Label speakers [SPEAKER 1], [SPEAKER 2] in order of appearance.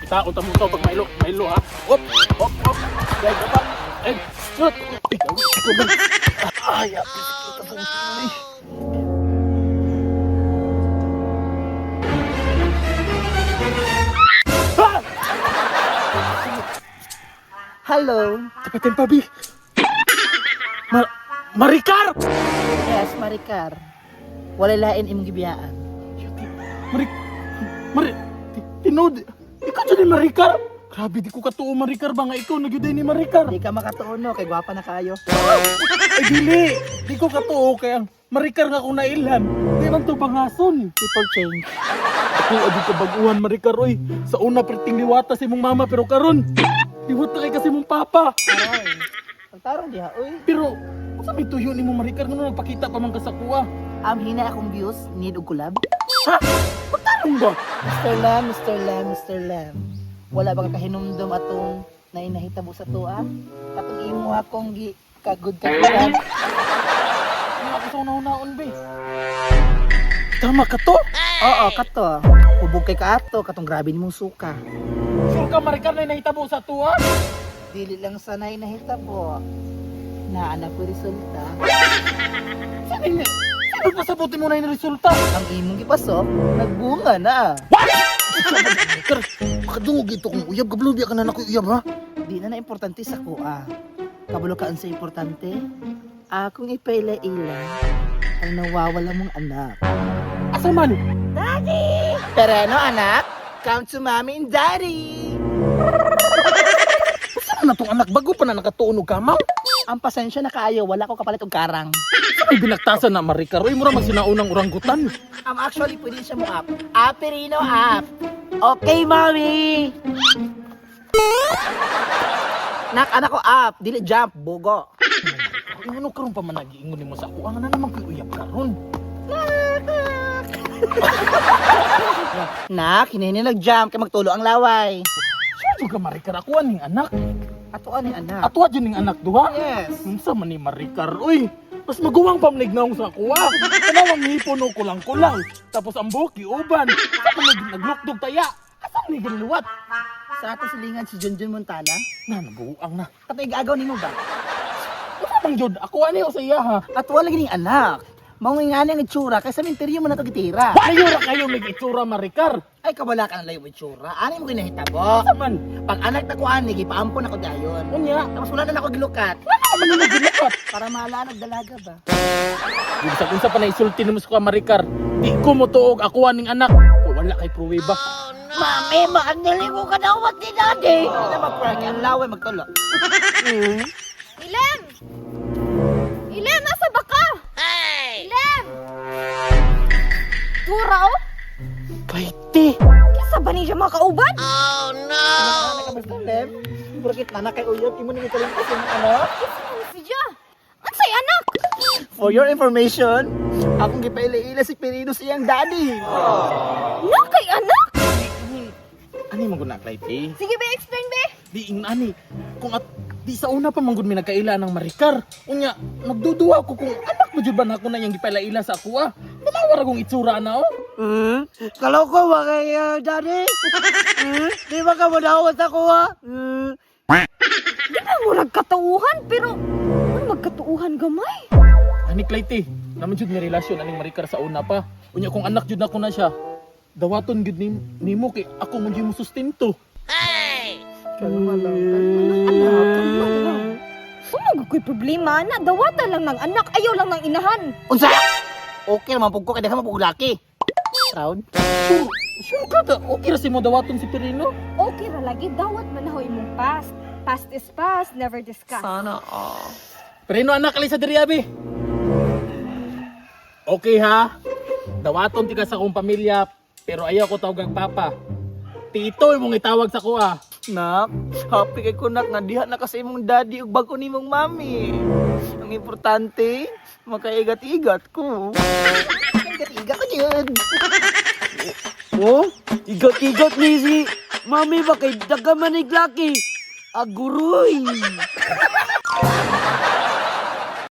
[SPEAKER 1] Itaon ta mo to pag mailo ha. Op, op, op. Dai ka pa. Shoot. Ay,
[SPEAKER 2] Hello.
[SPEAKER 1] tapatin pa, Bi. Maricar!
[SPEAKER 2] Yes, Maricar. Wala lain imong gibiyaan.
[SPEAKER 1] Tinod. Ikaw dyan ni Maricar. Grabe, di ko katuo Maricar ba nga ikaw nagyuday ni Maricar.
[SPEAKER 2] Di ka makatuuno kay gwapa na kayo.
[SPEAKER 1] Ay, dili. Di ko katuo kaya Maricar nga kung nailhan. Di man to bangason.
[SPEAKER 2] People change.
[SPEAKER 1] Ako, adi ka baguhan Maricar, oy. Sa una, priting liwata si mong mama, pero karon liwata kay kasi mong papa.
[SPEAKER 2] Aray. Pagtarong diha, uy.
[SPEAKER 1] Pero, sa may tuyo ni mo Maricar, nga nagpakita pa man ka sa kuha.
[SPEAKER 2] Hina akong views, need og collab.
[SPEAKER 1] Ha? Pagtanong ba?
[SPEAKER 2] Mr. Lam. Wala ba ka kahinumdum atong nainahitabo sa tuwa? Katong imo akong kagud kagulan.
[SPEAKER 1] Ano ako sa una-unaon, be? Tama ka to?
[SPEAKER 2] Oo, kato. Hubog kay kaato, katong grabe nimong suka.
[SPEAKER 1] Sure ka Maricar na nahitabo sa tuwa?
[SPEAKER 2] Dili lang sa nainahitabo. Naanak ko resulta.
[SPEAKER 1] Saan pasabuti mo na yung resulta?
[SPEAKER 2] Ang imong gipasok, nagbunga na.
[SPEAKER 1] Maricar, makadungog ito kung uyab. Gablubya ka na naku uyab, ha?
[SPEAKER 2] Di na importante sa kuha. Kabalo kaan sa importante? Akong ipaila-ila ang nawawala mong anak.
[SPEAKER 1] Asa man?
[SPEAKER 2] Daddy! Pero anak? Come to mommy and daddy!
[SPEAKER 1] Saan na tong anak? Bago pa na nakatuunog ka, ma'am?
[SPEAKER 2] Ang pasensya na kaayo, wala ko kapalit og karang.
[SPEAKER 1] Ay, binaktasan na Maricar. Uy, mura magsinaunang oranggutan.
[SPEAKER 2] Actually, pwede siya mo up. Aperino up! Okay, mommy! Nak, anak ko up! Dili jump, bugo.
[SPEAKER 1] Ay, ano karon pa man nagiingon mo sa ako? Ang na naman kayo uyab karon.
[SPEAKER 2] Nak, hinini nag-jump kay magtulo ang laway.
[SPEAKER 1] Saan ka Maricar? Ako aning anak.
[SPEAKER 2] Ato ani anak.
[SPEAKER 1] Ato dyan ning anak duha.
[SPEAKER 2] Yes.
[SPEAKER 1] Unsa man ni Maricar? Uy, mas maguwang pamlignaong sa kuha. Kanawang hipon o kulang-kulang. Tapos ang buki, uban. Saan naglukdog taya? Asan ni ginluwat?
[SPEAKER 2] Sa ato silingan si Junjun Montana.
[SPEAKER 1] Na, nabuang na.
[SPEAKER 2] Katay gaagaw nimo ba?
[SPEAKER 1] Ito bang Jod? Ako ani o sa iya ha?
[SPEAKER 2] Ato wala gining anak. Maungi nga ang itsura kay sa minteryo mo na to gitira.
[SPEAKER 1] Ayura kayo nag-itsura Maricar.
[SPEAKER 2] Ay kabala ka na layo itsura. Ani mo kinahitabo.
[SPEAKER 1] Man,
[SPEAKER 2] Pag anak ta ko ani gipaampo na ko dayon.
[SPEAKER 1] unya.
[SPEAKER 2] Tapos wala na ako gilukat.
[SPEAKER 1] Ano na ginluwat?
[SPEAKER 2] Para mahalanag dalaga ba?
[SPEAKER 1] Unsa pa na isulti mo sa Maricar? Di ko mo tuog ako aning anak. Wala kay pruweba.
[SPEAKER 2] Mami, maandali ko ka na uwag ni daddy. Hindi na mag-prank. Ang laway magtulo.
[SPEAKER 3] Ilem! Ilem, nasa ba ka? Hey! Ilem! Tura, oh?
[SPEAKER 1] Kaiti.
[SPEAKER 3] Kisa ba niya mga kauban?
[SPEAKER 2] Nakamastalem. Burkit na na kay uyot. Imo ni kalimpas yung ano.
[SPEAKER 3] Ano siya? Ano sa'y anak?
[SPEAKER 2] For your information, akong gipaila-ila si Perino siyang daddy.
[SPEAKER 3] Nakay anak?
[SPEAKER 1] Ani mo guna Kaiti?
[SPEAKER 3] Sige ba, explain ba?
[SPEAKER 1] Di ani. Kung at di sa una pa manggod mi nagkaila ng Maricar. Unya, nagduduwa ako kung anak mo jud ba na ako na yang gipaila-ila sa ako ah. Dalawar akong itsura na oh.
[SPEAKER 2] Kalau ko ba kay daddy? Di ba ka madawat ako ha?
[SPEAKER 3] Di ba mo nagkatauhan, pero ano magkatuuhan gamay?
[SPEAKER 1] Ani Kaiti, naman jud mi relasyon aning Maricar sa una pa. Unya kung anak jud na ko na siya. Dawaton gud nimo kay ako man jud mo sustento.
[SPEAKER 2] Kalma lang.
[SPEAKER 3] Sumag ko'y problema na, dawata lang ng anak, ayaw lang ng inahan.
[SPEAKER 2] Unsa? Okay naman pug ko kay daghang mapug laki. Proud?
[SPEAKER 1] Sure ka da, okay ra si mo dawaton si Perino?
[SPEAKER 3] Okay ra lagi, dawat man na imong past. Past is past, never discuss.
[SPEAKER 2] Sana all.
[SPEAKER 1] Perino anak ali sa diri abi. Okay ha. Dawaton ti ka sa akong pamilya, pero ayaw ko tawag ang papa. Tito imong itawag sa ko ah.
[SPEAKER 2] Nak, happy kay kunak nga diha na kasi imong daddy ug bago nimong mami. Ang importante, makaigat-igat ko. Igat-igat ko yun.
[SPEAKER 4] Oh, igat-igat ni si Mami ba kay dagamanig laki? Aguroy!